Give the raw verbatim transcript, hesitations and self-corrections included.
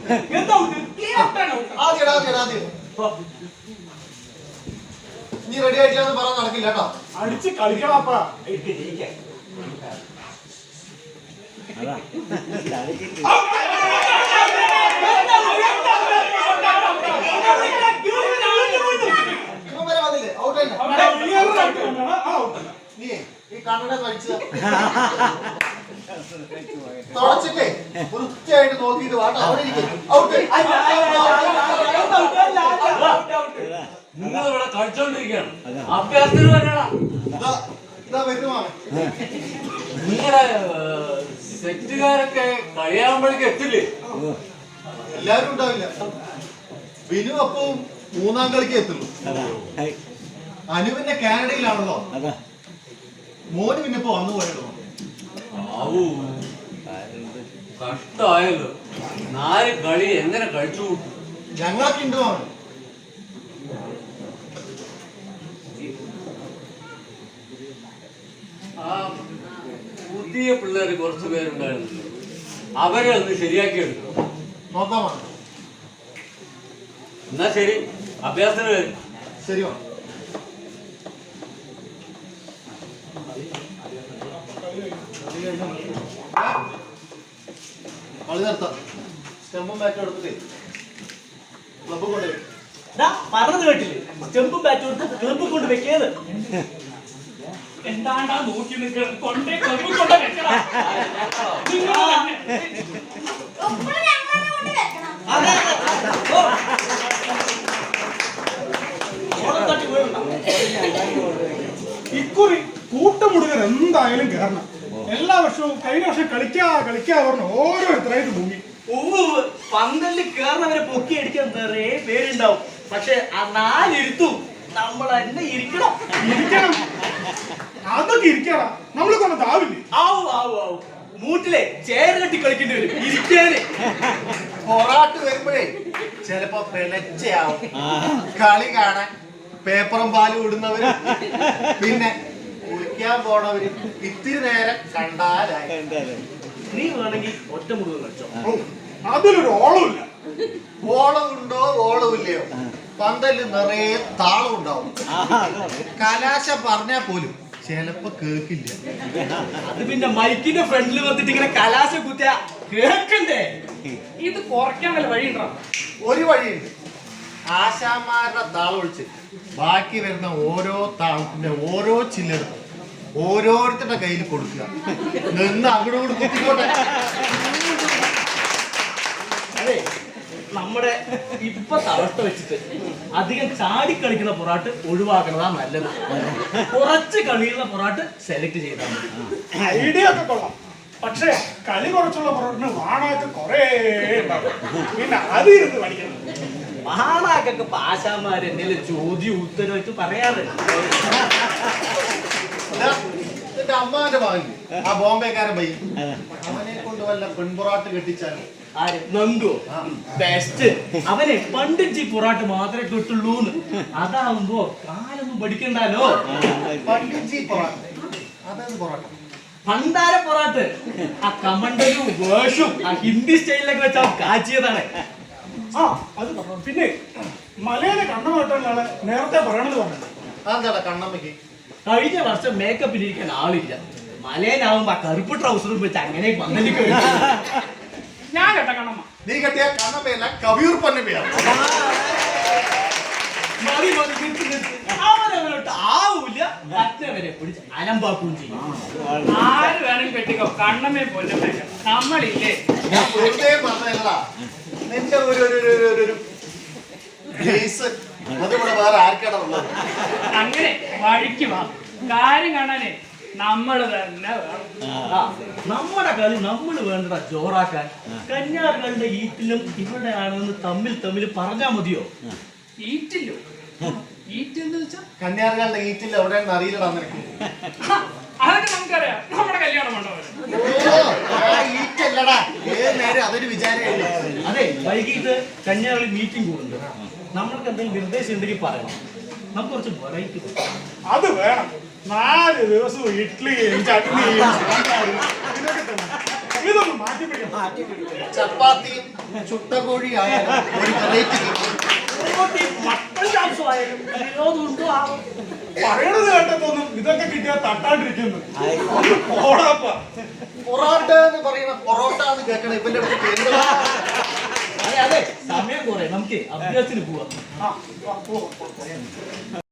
നീ റെഡി ആയിട്ടില്ലെന്ന് പറയാൻ നടക്കില്ല കേട്ടോ. അടിച്ച് കളിക്കണപ്പാ. നീ ഈ കണ്ണട കഴിച്ച തുടച്ചിട്ടേ വൃത്തിയായിട്ട് നോക്കിയിട്ട് വാട്ടോ അവിടെ നിങ്ങളിവിടെ കളിച്ചോണ്ടിരിക്കുകയാണ്. അഭ്യാസത്തിന് വരണ നിങ്ങളുടെ സെറ്റുകാരൊക്കെ കളിയാകുമ്പോഴേക്ക് എത്തില്ലേ? എല്ലാരും ഉണ്ടാവില്ല. ബിനു അപ്പവും മൂന്നാം കളിക്ക് എത്തുള്ളൂ. അനുവിന്റെ കാനഡയിലാണല്ലോ. മോന് പിന്നെ ഇപ്പൊ വന്നു പോയല്ലോ. കഷ്ടമായല്ലോ. നാല് കളി എങ്ങനെ കഴിച്ചു കൂട്ടും? ഞങ്ങളൊക്കെ ഉണ്ട് മോൻ. ആ പുതിയ പിള്ളേർ കുറച്ചു പേരുണ്ടായിരുന്നു. അവരെ ഒന്ന് ശരിയാക്കിയെടുക്കും. നോക്കാമോ? എന്നാ ശരി, അഭ്യാസത്തിന് വരും. ശരി കളി നിർത്താം. സ്റ്റെമ്പും ബാറ്റും എടുത്തിട്ടേ ക്ലബ് കൊണ്ടുപോയി പറഞ്ഞത് കേട്ടില്ലേ? സ്റ്റെമ്പും ബാറ്റും എടുത്ത് ക്ലബ് കൊണ്ട് വെക്കേത്. എന്താണ്ടാ നോക്കി നിൽക്കുന്നത്? കൊണ്ടേ ക്ലബ് കൊണ്ട് വെക്കണം. ഇക്കുറി കൂട്ടമുടുകർ എന്തായാലും കയറണം. എല്ലാ വർഷവും കഴിഞ്ഞ വർഷം കളിക്കാ കളിക്കാ പറഞ്ഞ് ഓരോരുത്തരായിട്ട് മുങ്ങി. പന്തലിൽ കയറുന്നവരെ പൊക്കി അടിക്കാൻ നിറയെ പേരുണ്ടാവും. പക്ഷെ ആ നാലിരുത്തും നമ്മൾ തന്നെ ഇരിക്കണം. ഇരിക്കണം, അതൊക്കെ ഇരിക്കണം. നമ്മൾ കൊണ്ടതാവില്ലേ? ആവു ആവു ആവു മൂട്ടിലെ ചേര് കെട്ടി കളിക്കേണ്ടി വരും ഇരിക്കാന്. പൊറാട്ട് വരുമ്പോഴേ ചിലപ്പോ പിളച്ചയാവും. കളി കാണാൻ പേപ്പറും പാലും ഇടുന്നവര്, പിന്നെ കുളിക്കാൻ പോണവര് ഇത്തിരി നേരം കണ്ടാലായി. നീ വേണമെങ്കിൽ ഒറ്റ മുഴുവൻ കളിച്ചോ. അതിലൊരു ഓളമില്ല. ഓളം ഉണ്ടോ ഓളം ഇല്ലയോ, പന്തല് നിറയെ താളം ഉണ്ടാവും. കലാശ പറഞ്ഞാൽ പോലും ചിലപ്പോ കേക്കില്ല. അത് പിന്നെ മൈക്കിന്റെ ഫ്രണ്ടിൽ വന്നിട്ട് ഇങ്ങനെ കലാശ കുത്തിയ കേക്കണ്ടേ? ഇത് കുറയ്ക്കാൻ വല്ല വഴിയുണ്ടോ? ഒരു വഴിയുണ്ട്. ആശാന്മാരുടെ താളം ഒഴിച്ച് ബാക്കി വരുന്ന ഓരോ താളത്തിന്റെ ഓരോ ചില്ലെടുത്ത് ഓരോരുത്തരുടെ കയ്യിൽ കൊടുക്കുക. നിന്ന് അങ്ങോട്ട് കുത്തിക്കോട്ടെ. അതെ, നമ്മുടെ ഇപ്പത്തെ അവസ്ഥ വെച്ചിട്ട് അധികം ചാടി കളിക്കുന്ന പൊറാട്ട് ഒഴിവാക്കണതാ നല്ലത്. കുറച്ച് കളിയുള്ള പൊറാട്ട് സെലക്ട് ചെയ്താൽ മതി. ഐഡിയ ഒക്കെ കൊള്ളാം. പക്ഷേ കളി കുറച്ചുള്ള പൊറാട്ടിന് വാണൊക്കെ കൊറേ ഉണ്ടാവും. പിന്നെ അത് ഇരുന്ന് പഠിക്കണം. മഹാനാക്കൊക്കെ പാശാമാര് എന്തെങ്കിലും ചോദ്യം ഉത്തരവായിട്ട് പറയാറ്. എന്റെ അമ്മാന്റെ ഭാഗ്യം ആ ബോംബെക്കാരൻ പയ്യ, അവനെ കൊണ്ട് വല്ല പെൺപൊറാട്ട് കെട്ടിച്ചാലും. ആര്? നങ്കോ? ബെസ്റ്റ്. അവനെ പണ്ടിച്ച് പൊറാട്ട് മാത്രമേ കിട്ടുള്ളൂന്ന്. അതാവുമ്പോ കാലൊന്നും പഠിക്കണ്ടല്ലോ. പണ്ടിഞ്ചി പൊറാട്ട്, അതായത് പൊറാട്ട പണ്ടാര പൊറാട്ട്. ആ കമണ്ടലും വേഷും ആ ഹിന്ദി സ്റ്റൈലിലൊക്കെ വെച്ചാ കാച്ചിയതാണ്. ആ അത് പറഞ്ഞു. പിന്നെ മലയിലെ കണ്ണമായിട്ടുള്ള നേരത്തെ പറയണെന്ന് പറഞ്ഞു. അതെന്താടാ കണ്ണമ്മയ്ക്ക്? കഴിഞ്ഞ വർഷം മേക്കപ്പിലിരിക്കാൻ ആളില്ല. മലയനാവുമ്പോ ആ കറുപ്പ് ട്രൗസറും വെച്ച് അങ്ങനെ പന്തലിക്ക് ഞാൻ കേട്ട കണ്ണമ്മ. നീ കെട്ടിയ കണ്ണമ്മയല്ല കവിയൂർ പൊന്നമ്മയാണ്. മതി മതി നിർത്തി നിർത്തി. അവനവനോട്ട് ആവൂല, മറ്റവരെ പിടിച്ച് അലമ്പാക്കുകയും ചെയ്യും. ആര് വേണമെങ്കിൽ കെട്ടിക്കോ, കണ്ണമ്മയെ പൊന്നമ്മ നമ്മളില്ലേ. ഞാൻ വെറുതെ പറഞ്ഞല്ലടാ, നിന്റെ ഒരു ഒരു ഗ്രേസ് അതിവിടെ വേറെ ആർക്കാണ് ഉള്ളത്. അങ്ങനെ വഴിക്ക് വാ, കാര്യം കാണാനേ നമ്മള് തന്നെ വേണം. നമ്മുടെ കളി നമ്മൾ വേണ്ടടാ ജോറാക്കാൻ. കന്യാറുകളുടെ ഈറ്റിലും ഇവിടെ ആണെന്ന് തമ്മിൽ തമ്മിൽ പറഞ്ഞാ മതിയോ? ഈറ്റില്ലോ? ഈറ്റ് എന്ന് വെച്ചാ കന്യാറുകളുടെ ഈറ്റിൽ എവിടെയാണെന്ന് അറിയില്ലടാ നിനക്ക്. അതൊക്കെ നമുക്കറിയാം, നമ്മുടെ കല്യാണം മണ്ഡപം. ഈറ്റല്ലടാ, ഏത് നേരം അതൊരു വിചാരമേ. അതെ, വൈകിട്ട് കന്യാകുളി മീറ്റിംഗ് കൂടുന്നുണ്ട്. നമ്മൾക്ക് എന്തെങ്കിലും നിർദ്ദേശം ഉണ്ടെങ്കിൽ പറയണം. നമുക്ക് കുറച്ച് വെറൈറ്റി അത് വേണം. നാല് ദിവസവും ഇഡ്ഡലിയും ചട്നിയും ഇതൊക്കെ തന്നെ. ഇതൊന്ന് മാറ്റി പിടിക്കണം. ചപ്പാത്തിയും ചുട്ട കോഴി ആയാലും ഒരു വെറൈറ്റി കിട്ടും. ഓട്ടി മട്ടൻ ചാപ്സുമായാലും വിനോദം ഉണ്ടോ ആവും. പറയണത് കേട്ടതൊന്നും ഇതൊക്കെ കിട്ടിയാൽ തട്ടാണ്ടിരിക്കുന്നു. ഓടാപ്പ പൊറോട്ട എന്ന് പറയുന്ന പൊറോട്ട എന്ന് കേൾക്കണം ഇവന്റെ അടുത്ത് പേരുകളാ. അതെ അതെ സമയം കുറെ നമുക്ക് അഭ്യാസത്തിന് പോവാം. ആ, ആ, പോ, പോ, പോ.